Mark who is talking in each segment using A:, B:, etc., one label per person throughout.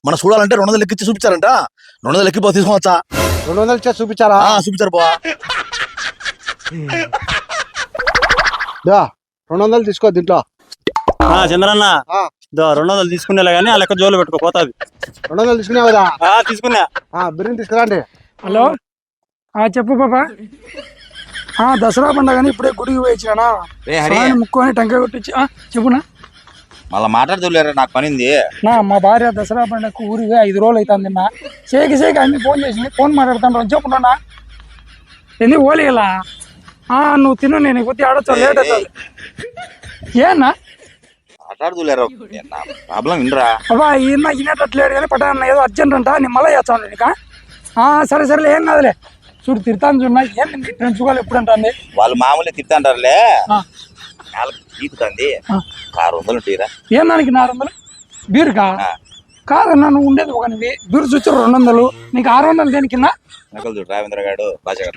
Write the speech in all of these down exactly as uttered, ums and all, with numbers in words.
A: మనం చూడాలంటే రెండు వందలు ఎక్కిచ్చి చూపించారంట. రెండు వందలు ఎక్కిపో తీసుకోవచ్చా?
B: రెండు వందలు ఇచ్చా చూపించారా?
A: చూపించారు బా.
B: రెండు వందలు తీసుకో దీంట్లో.
C: చంద్రన్న రెండు వందలు తీసుకునేలా గానీ ఆ లెక్క జోలు పెట్టుకో పోతాది.
B: రెండు వందలు తీసుకున్నావు కదా?
C: తీసుకున్నా.
B: బిర్యానీ తీసుకురాండి.
D: హలో చెప్పు పాపా. దసరా పండుగని ఇప్పుడే గుడికి పోయిచ్చినా ముక్కు అని టెంకాయ కొట్టించి చెప్పునా.
E: మళ్ళీ మాట్లాడుతులేరా, నాకు పనింది
D: నా. మా భార్య దసరా పండుగకు ఊరిగా ఐదు రోజులు అవుతుంది నా. చేకి చేకి అన్ని ఫోన్ చేసింది. ఫోన్ మాట్లాడుతాను చెప్పున్నా. ఎందుకు ఓలిగలా నువ్వు తిను, నేను కొద్ది ఆడొచ్చా లేట్ అవుతుంది. ఏనా
E: మాట్లాడుతులేరా, ప్రాబ్లం వినరా.
D: అబ్బా ఈయన ఇనేటట్లేడు కానీ పట్టాన ఏదో అర్జెంట్ అంట. నేను మళ్ళీ చేస్తాను నీక. సరే సరేలే ఏం కాదులే. చూడు తిడతాను చూడన్నా. ఏం ఫ్రెండ్స్ వాళ్ళు ఎప్పుడు అంటుంది?
E: వాళ్ళు మామూలు తిడతాంటారులే. తీకుతుంది ఆరు వందలు ఉంటాయిరా.
D: ఏం దానికి నాలుగు వందలు బీరుకా? కాదన్నా నువ్వు ఉండేది ఒక బీరు చూచి రెండు వందలు, నీకు ఆరు వందలు దేనికి?
E: నకలు చూడు రావేంద్ర గారు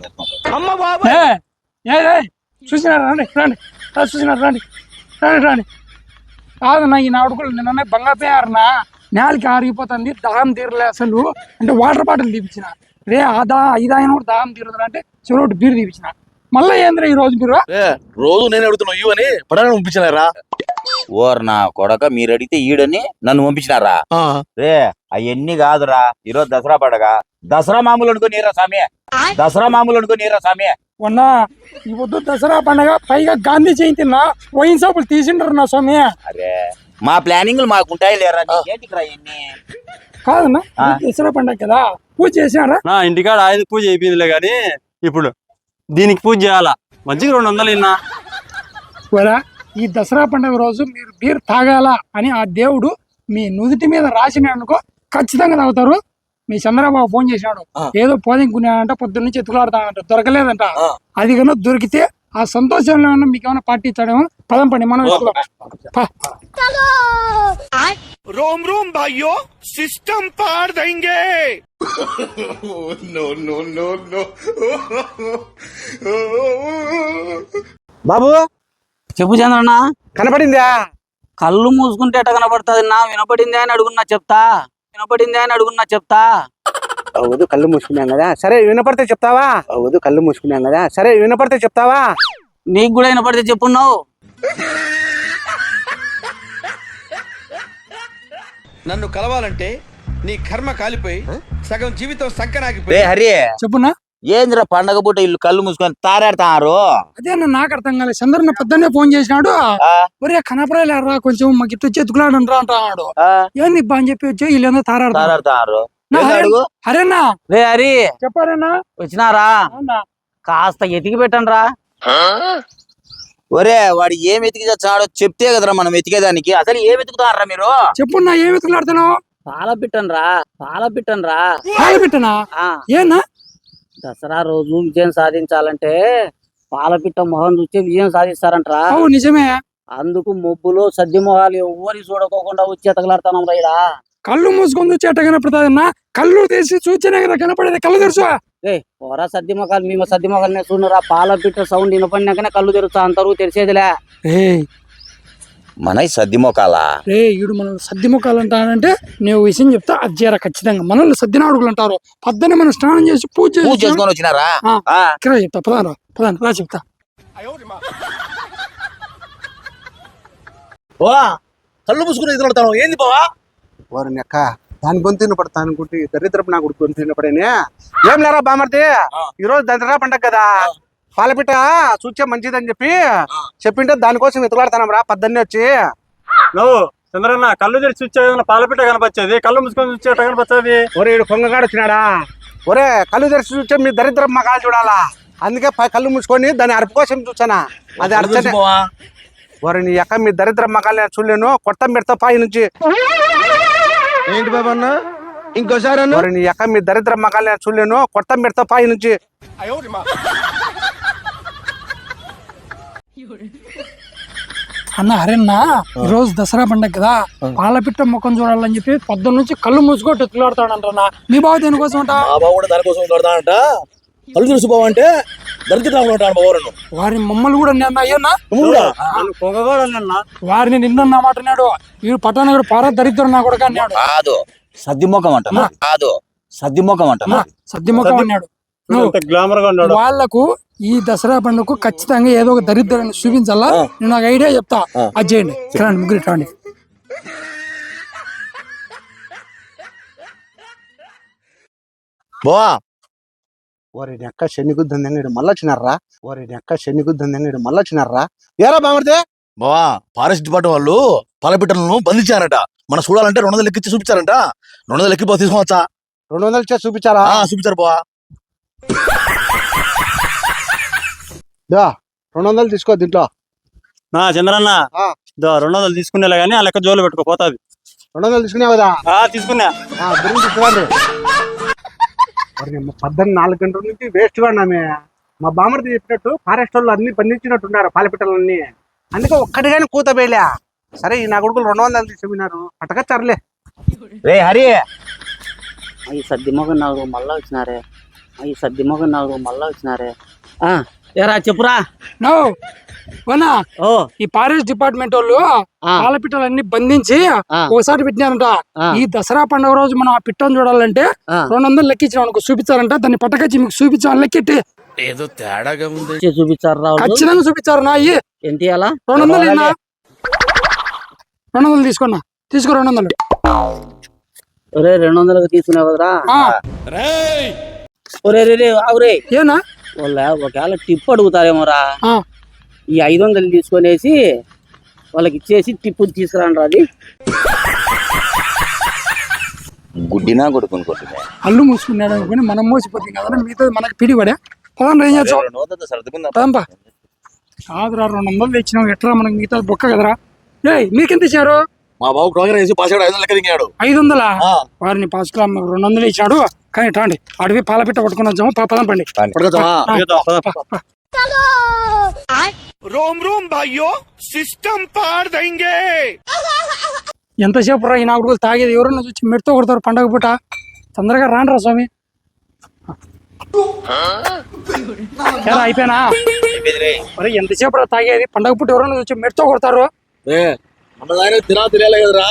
D: చూసినారు రండి రండి చూసినారు రండి రండి రండి. కాదన్నా ఈ నాడుకులు నిన్న బంగాపోయారన్నా. నేలకి ఆరిగిపోతుంది, దాహం తీరలే అసలు. అంటే వాటర్ బాటిల్ తీపించిన రే. ఆ దా ఐదాయన కూడా దాహం తీరుతుంది అంటే చెరోటి బీరు తీపించిన. మళ్ళీ ఏంద్రా ఈ రోజు బీరు?
A: రోజు నేను అడుగుతున్నావు ఇవని పడాలని పంపించినారా?
E: ఓర్ నా కొడక, మీరు అడిగితే ఈడని నన్ను పంపించినారా? రే అవన్నీ కాదురా, ఈరోజు దసరా పండగ. దసరా మామూలు అనుకునిరా సామి, దసరా మామూలు అనుకునిరా సామి.
D: మొన్నా ఈ పొద్దు దసరా పండగ, పైగా గాంధీ జయంతి నా. వైన్ షాపులు తీసిండ్రు నా స్వామి.
E: అరే మా ప్లానింగ్ మాకుంటాయి లేరా. ఏంటిరా ఇన్ని?
D: కాదన్నా దసరా పండగ కదా, పూజ చేసినారా?
C: నా ఇంటికాడ ఆయన పూజ అయిపోయిందిలే గాని ఇప్పుడు దీనికి పూజ చేయాలా. మంచిగా రెండు వందలు ఇన్నా.
D: ఈ దసరా పండుగ రోజు మీరు బీర్ తాగాల అని ఆ దేవుడు మీ నుదుటి మీద రాసిన అనుకో, ఖచ్చితంగా తాగుతారు. మీ చంద్రబాబు ఫోన్ చేసినాడు, ఏదో పోదింకున్నాడంట, పొద్దున్న నుంచి ఎత్తులాడుతాడంట, దొరకలేదంట. అది కన్నా దొరికితే ఆ సంతోషంలో ఏమన్నా మీకు ఏమైనా పార్టీ ఇచ్చాడేమో. పదం పండి మనం
F: रोम रोम भाइयों, सिस्टम पार देंगे। No no no no.
B: Babu
G: చెప్పు చంద్రన్న.
B: కనపడిందా?
G: కళ్ళు మూసుకుంటే ఎట కనపడుతుంది నా? వినపడిందే అని అడుగున్నా చెప్తా, వినపడిందే అని అడుగున్నా చెప్తా.
B: అవదు కళ్ళు మూసుకున్నాం కదా, సరే వినపడితే చెప్తావా? అవదు కళ్ళు మూసుకున్నాం కదా, సరే వినపడితే చెప్తావా?
G: నీకు కూడా వినపడితే చెప్పున్నావు.
F: నన్ను కలవాలంటే నీ కర్మ కాలిపోయి సగం జీవితం సంకనాగిపోయి.
E: హరి
D: చెప్పున్నా.
E: ఏంద్రా పండగ పూట ఇల్లు కళ్ళు మూసుకొని తారాడతారు?
D: అదే నాకు అర్థం కాలేదు. చంద్రన్న పొద్దున్నే ఫోన్ చేసినాడు, ఒరే కనపడలేరా కొంచెం మాకు ఇట్లా చెతుకులాడు రా అంటున్నాడు. ఏంది ఇబ్బా అని చెప్పి వచ్చి వీళ్ళందరూ తారాడతారు. హరేనా
G: రే హరి
D: చెప్పారేనా?
G: వచ్చినారా? కాస్త ఎతికి పెట్టండి రా.
E: ఒరే వాడు ఏం ఎతికి చచ్చాడో చెప్తే కదరా మనం ఎతికేదానికి. అసలు ఏం ఎతుకుతారా మీరు?
D: చెప్పున్నా ఏం ఎతుకులాడుతున్నావు?
G: పాల పిట్టను రా, పాల పిట్టను రా.
D: పాల పిట్టనా? ఏనా?
G: దసరా రోజు విజయం సాధించాలంటే పాలపిట్ట మొహం చూస్తే విజయం సాధిస్తారంటరా.
D: నిజమే.
G: అందుకు మొబ్బులో సద్ది మొహాలు ఎవరి చూడకోకుండా వచ్చి ఎతకలాడుతున్నాం రైడా.
D: కళ్ళు మూసుకొని వచ్చి ఎట్ట కనపడతాదన్నా? కళ్ళు తీసి చూస్తేనే కదా కనపడేది. కళ్ళు తెరుచు.
G: ఏ పోరా సద్ది మొఖాలు, మేము సద్ది మొఖాలు చూడరా. పాలపిట్ట సౌండ్ వినపడినాకనే కళ్ళు తెరుస్తా, అంతరు తెరిచేదిలే.
E: మన సద్ది మొఖాలా?
D: రే ఈడు మనల్ని సద్ది మొఖాలు అంటానంటే నేను విషయం చెప్తా, అది చేరా ఖచ్చితంగా. మనల్ని సద్ది నాడుగులు అంటారు. పొద్దున్నే మనం స్నానం చేసి పూజ
E: చేసుకొని వచ్చినారా?
D: ఇక్కడ చెప్తా, పదాను పదాను రా చెప్తా.
A: కళ్ళు మూసుకుని ఎదురుతాను ఏంది బావా?
B: వారిని అక్క దాని గొంతు వినపడతా అనుకుంటే దరిద్రపు నా గుడి గొంతు వినపడేనే. ఏం లేరా బామర్తి, ఈ రోజు దసరా పండగ కదా, పాలపిట్ట చూచే మంచిదని చెప్పి చెప్పింటే దానికోసం వెతులాడుతున్నాం రా పొద్దున్నే వచ్చి.
C: నువ్వు చంద్రన్న కళ్ళు తెరిచి చూచే పాలపిట్ట కనపచ్చేది, కళ్ళు మూసుకొని చూచే కనపచ్చేది.
B: ఒరే ఈడు కొంగగాడు వచ్చినాడా? ఒరే కళ్ళు తెరిచి చూచే మీ దరిద్రపు మగాలు చూడాలా, అందుకే కళ్ళు మూసుకొని దాని అరుపు కోసం చూసానా. అది అర్చనే. ఒరే నీ అక్క మీ దరిద్ర మగాలు నేను చూడలేను, కొత్త పెడతా పై నుంచి.
F: ఏంటి బాబా అన్న ఇంకోసారి అన్న?
B: ఒరే నీ అక్క మీ దరిద్ర మగాలు నేను చూడలేను, కొత్త పెడతా పై నుంచి.
D: అన్న హరేనా ఈ రోజు దసరా పండగ కదా, పాలపిట్ట ముఖం చూడాలని చెప్పి పొద్దున్న నుంచి కళ్ళు మూసుకొని ఎత్తులాడుతాడంటన్నా. మీ బావ దేనికోసం అంట?
A: మా బావ కూడా దానికోసం కడతానంట. కళ్ళు తెలుసు బావ అంటే దరిద్రం ఉంటాను బావరను.
D: వారిని మమ్మల్ని కూడా నిన్న అయ్యన్నా
C: పొగగాడు అన్న.
D: వారిని నిన్న మాట్లాడు. వీడు పట్టణ పార దరిద్రం నా కూడా అన్నాడు.
E: కాదు సద్దిమొఖం అంటున్నా కాదు సద్దిమొఖం అంటున్నా
D: సద్దిముఖం అన్నాడు నువ్వు
C: గ్లామర్ గా ఉన్నాడు.
D: వాళ్ళకు ఈ దసరా పండుగకు ఖచ్చితంగా ఏదో ఒక దరిద్రాన్ని చూపించాలా నేను నాకు ఐడియా చెప్తా అది చేయండి రండి ముగ్గురు ఇట్లా రండి.
A: బావా
B: ఓరి నెక్క శని గుద్దంగా ఇడు మళ్ళీ వచ్చినారా ఓరి నెక్క శని గుద్దంగా ఇడు మళ్ళీ వచ్చినారా ఏరా బామర్దే
A: బావా ఫారెస్ట్ డిపార్ట్మెంట్ వాళ్ళు పాలపిట్టలను బంధించారట మనం చూడాలంటే రెండు వందలు లెక్కించి చూపించారంట రెండు వందలు లెక్కి తీసుకోవచ్చా
B: రెండు వందలు ఇచ్చా చూపించారా
A: ఆ, చూపించారు బావా
B: దా రెండు వందలు తీసుకో దీంట్లో
C: నా చంద్రన్న
B: ఆ.
C: దో రెండు వందలు తీసుకునేలా గానీ ఆ లెక్క జోలు పెట్టుకోపోతాది.
B: రెండు వందలు తీసుకున్నావు కదా
C: ఆ తీసుకున్నా.
B: ఆ, బిర్యానీ తీసుకురండి పద్దెనిమిది నాలుగు గంటల నుంచి వేస్ట్ గా ఉన్నామే మా బామర్ది చెప్పినట్టు ఫారెస్ట్ వాళ్ళు అన్ని బంధించినట్టున్నారు పాలపిట్టలన్నీ అందుకే ఒక్కటిగానే కూత వేయలే సరే ఈ నా కొడుకులు రెండు వందలు తీసుకున్నారు పట్టకచ్చారులే
E: రే హరి
G: ఈ సద్దిమొగం నాలుగు మళ్ళా వచ్చినారే ఈ సద్దిమొగం నాలుగు మళ్ళా వచ్చినారే ఆ ఏరా చెప్పురా
D: నో వనా
G: ఓ
D: ఈ ఫారెస్ట్ డిపార్ట్మెంట్ వాళ్ళు
G: ఆ,
D: పాలపిట్టలన్నీ బంధించి
G: ఆ,
D: ఒకసారి పెట్టినారంట
G: ఆ,
D: ఈ దసరా పండుగ రోజు మనం ఆ పిట్టను చూడాలంటే
G: ఆ.
D: రెండు వందలు లెక్కించిన అనుకో చూపించారంట దాన్ని పట్టకచ్చి మీకు చూపించాలని లెక్కెట్టి
F: ఏదో తేడాగా ఉంది.
G: వచ్చి చూపించారు రావు
D: ఖచ్చితంగా చూపించారు నా అయ్యి
G: ఏంటి అలా
D: రెండు వందలు ఇన్నా రెండు వందలు తీసుకున్నా తీసుకో రెండు వందలు
G: ఒరే రెండు వందలకు తీసుకున్నావు కదరా
D: ఆ,
F: రేయ్
G: ఒరే రే రే అవురే
D: ఏనా
G: వాళ్ళ ఒకవేళ టిప్ అడుగుతారేమోరా
D: ఆ,
G: ఈ ఐదు వందలు తీసుకొనేసి వాళ్ళకి ఇచ్చేసి టిప్పు తీసుకురాండి అది
E: గుడ్డినా కొడుకుని కొట్టుకునే
D: అల్లు మూసుకున్నాడు అనుకుని మనం మోసిపోతుంది కదా మిగతా మనకి పిడిపడే పదం ఏం చేస్తాం
E: సర్దుకుందాం
D: పదంపా కాదురా రెండు వందలు తెచ్చినావు ఎట్లా మనకి మిగతా బొక్క కదరా ఏ మీకెంత ఇచ్చారు
A: మా బాబు ప్రోగ్రామ్ వేసి పాస్ ఐదు వందలు లెక్క దిగాడు
D: ఐదు వందలా
A: ఆ.
D: వారిని పాస్ కిలో రెండు వందలు ఇచ్చాడు కానీ టాండి అడివి పాలపిట్ట పట్టుకుని వచ్చాము ప- పదం పండి
A: పట్టుకొచ్చావా?
C: ఏదో పద.
F: रोम रोम भाइयों सिस्टम पार देंगे.
D: ఎంతసేపు రా ఈ నాగుడు తాగేది ఎవరన్నా చూసి మెడతో కొడతారు పండగ పూట తొందరగా రాండ్రా స్వామి ఎలా అయిపోయినా మరి ఎంతసేపు రా తాగేది పండగ పూట ఎవరన్నా చూసి మెడతో కొడతారు
A: ఏ మన దాని తినా తినేలే కదరా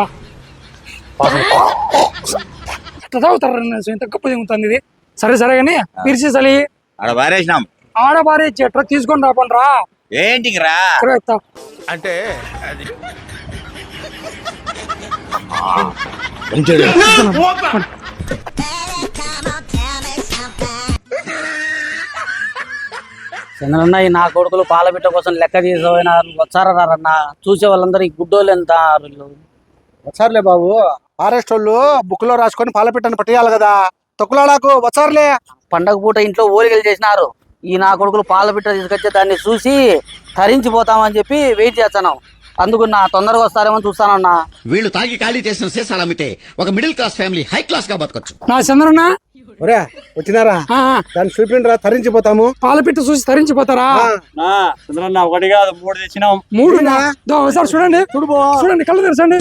D: అట్లా తాగుతారు ఎంత గొప్ప దిగుతుంది ఇది సరే సరే కానీ మీరు చేసాలి
E: ఆడ పారేసినాం
D: ఆడబారే చెట్రా తీసుకొని రాపండి రా
E: ఏంటికి రా
D: ఇక్కడ ఎత్తా.
F: అంటే అది
A: మంచిది
G: చంద్రన్న ఈ నా కొడుకులు పాలపిట్ట కోసం లెక్క తీసుకోపోయినా వచ్చారా రారన్న చూసే వాళ్ళందరూ ఈ గుడ్డోళ్ళు ఎంత వీళ్ళు
B: వచ్చారులే బాబు ఫారెస్ట్ వాళ్ళు బుక్ లో రాసుకొని పాలపిట్టని పట్టేయాలి కదా తొక్కులాడాకు వచ్చారులే
G: పండగ పూట ఇంట్లో ఓలికలు చేసినారు ఈ నా కొడుకులు పాలపిట్ట తీసుకొచ్చే దాన్ని చూసి తరించిపోతామని చెప్పి వెయిట్ చేస్తాను అందుకు నా తొందరగా వస్తారేమో చూస్తానన్నా
H: వీళ్ళు తాగి ఖాళీ చేసిన సీసాలు అమ్మితే ఒక middle class family high class గా బతకొచ్చు.
D: నా చంద్రన్న
B: ఒరే వచ్చినారా
D: ఆ, ఆ,
B: దాన్ని చూపిండ్రా తరించిపోతాము
D: పాలపిట్ట చూసి తరించిపోతారా
B: ఆ,
C: నా చంద్రన్న ఒకటి కాదు మూడు తెచ్చినాం.
D: మూడు ఒకసారి చూడండి చూడండి కళ్ళు తెరచండి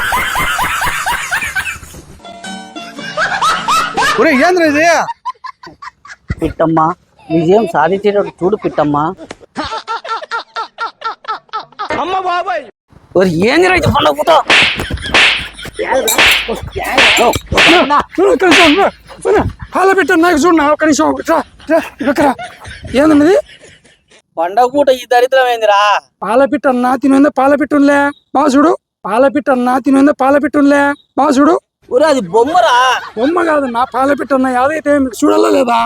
B: ఒరే ఏంద్రా ఇది
G: పిట్టమ్మ విజయం సాధించేటప్పుడు చూడు పిట్టమ్మ
F: అమ్మ బాబాయ్
G: ఒరి ఏంది రైతు పండగ పూట
D: చూడు ఇక్కడ చూడు, చూడు. పాలపిట్ట నాకు చూడు ఒక నిమిషం ఇట్రా, ఇట్రా, ఇక్కడ ఏందన్నది
G: పండగ పూట ఈ దరిద్రం ఏందిరా
D: పాలపిట్ట అన్నా తినుందే పాలపిట్టుంలే బాగా చూడు పాలపిట్ట అన్నా తినుందే పాలపిట్టుంలే బాగా చూడు
G: ఒరే అది బొమ్మరా
D: బొమ్మ కాదన్నా పాలపిట్ట అన్నా యాదైతే మీకు చూడాలా లేదా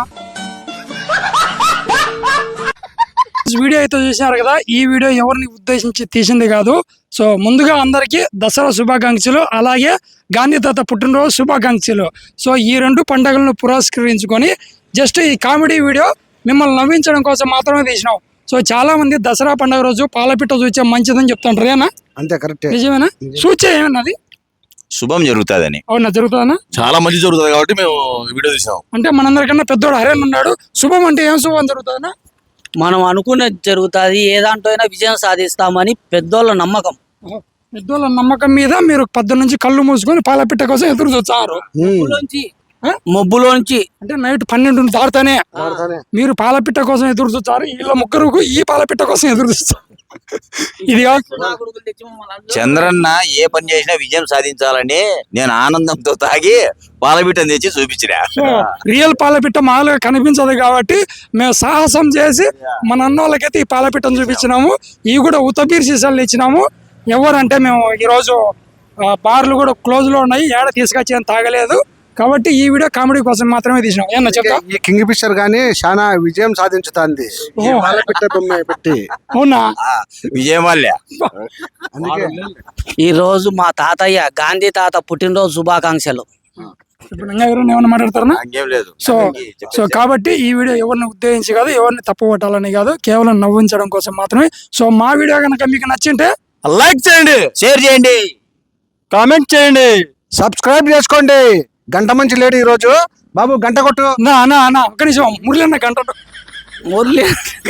D: వీడియో అయితే చూసినారు కదా ఈ వీడియో ఎవరిని ఉద్దేశించి తీసింది కాదు సో ముందుగా అందరికీ దసరా శుభాకాంక్షలు అలాగే గాంధీ తాత పుట్టినరోజు శుభాకాంక్షలు సో ఈ రెండు పండుగలను పురస్కరించుకొని జస్ట్ ఈ కామెడీ వీడియో మిమ్మల్ని నవ్వించడం కోసం మాత్రమే తీసినాం సో చాలా మంది దసరా పండుగ రోజు పాలపిట్ట చూచే మంచిదని చెప్తుంటారు ఏనా
B: అంతే కరెక్ట్
D: నిజమేనా చూచే ఏమన్నది
E: శుభం జరుగుతుందని
D: అవునా జరుగుతుందనా
A: చాలా మంచి జరుగుతుంది కాబట్టి మేము ఈ వీడియో తీసాం
D: అంటే మనందరికన్నా పెద్దోడు హరేన్ ఉన్నాడు శుభం అంటే ఏం శుభం జరుగుతుందనా
G: మనం అనుకున్నది జరుగుతుంది ఏ దాంట్లో అయినా విజయం సాధిస్తామని పెద్దోళ్ళ నమ్మకం
D: పెద్దోళ్ళ నమ్మకం మీద మీరు పద్దు నుంచి కళ్ళు మూసుకొని పాలపిట్ట కోసం ఎదురు చూస్తారు
G: మబ్బులోంచి మబ్బులోంచి
D: అంటే నైట్ పన్నెండు దాడుతానే మీరు పాలపిట్ట కోసం ఎదురు చూస్తారు వీళ్ళ ముగ్గురు ఈ పాలపిట్ట కోసం ఎదురు చూస్తారు ఇది కాదు.
G: నా కొడుకులు తెచ్చి మమ్మల్ని అందరూ-
E: చంద్రన్న ఏ పని చేసినా విజయం సాధించాలని నేను ఆనందంతో తాగి పాలబిట్టను తెచ్చి చూపించిన
D: సో రియల్ పాలపిట్ట మామూలుగా కనిపించదు కాబట్టి మేము సాహసం చేసి మన అన్నోళ్ళకైతే ఈ పాలపిట్టను చూపించినాము. ఇవి కూడా ఉత్తబీర్ సీసాలు ఇచ్చినాము. ఎవరంటే మేము ఈరోజు ఆ, బార్లు కూడా క్లోజ్ లో ఉన్నాయి, ఏడ తీసుకొచ్చి ఏం తాగలేదు కాబట్టి ఈ వీడియో కామెడీ కోసం మాత్రమే తీసినాం. ఏమన్నా చెప్తా?
B: ఈ కింగ్ ఫిషర్ గానీ చాలా విజయం సాధించుతాంది ఈ పాలపిట్ట బొమ్మ పెట్టి.
D: అవునా?
E: విజయం వల్లే.
B: అందుకే
G: ఈ రోజు మా తాతయ్య గాంధీ తాత పుట్టినరోజు శుభాకాంక్షలు.
D: ఇప్పుడు ఇంకా ఎవరైనా ఏమన్నా మాట్లాడతారా?
E: ఇంకేం లేదు.
D: సో సో కాబట్టి ఈ వీడియో ఎవరిని ఉద్దేశించి కాదు, ఎవరిని తప్పు పట్టాలని కాదు, కేవలం నవ్వించడం కోసం మాత్రమే. సో మా వీడియో కనుక మీకు నచ్చింటే
A: లైక్ చేయండి,
E: షేర్ చేయండి,
C: కామెంట్ చేయండి,
B: సబ్స్క్రైబ్ చేసుకోండి. గంట మంచి లేడు ఈ రోజు. బాబు గంట కొట్టు.
D: నా అన్న అన్న ఒక్క నిమిషం మురళి అన్న గంట
G: మురళి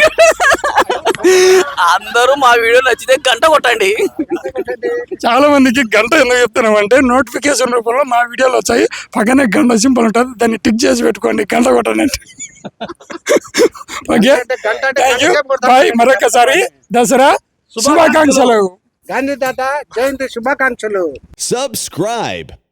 G: అందరూ మా వీడియో నచ్చితే గంట కొట్టండి.
D: చాలా మందికి గంట ఎందుకు చెప్తున్నాం అంటే నోటిఫికేషన్ రూపంలో మా వీడియోలు వచ్చాయి, పక్కనే గంట సింపుల్ ఉంటుంది, దాన్ని టిక్ చేసి పెట్టుకోండి, గంట కొట్టండి. Okay, thank you, bye. మరొకసారి దసరా శుభాకాంక్షలు.
B: గాంధీ తాత జయంతి శుభాకాంక్షలు.
I: Subscribe.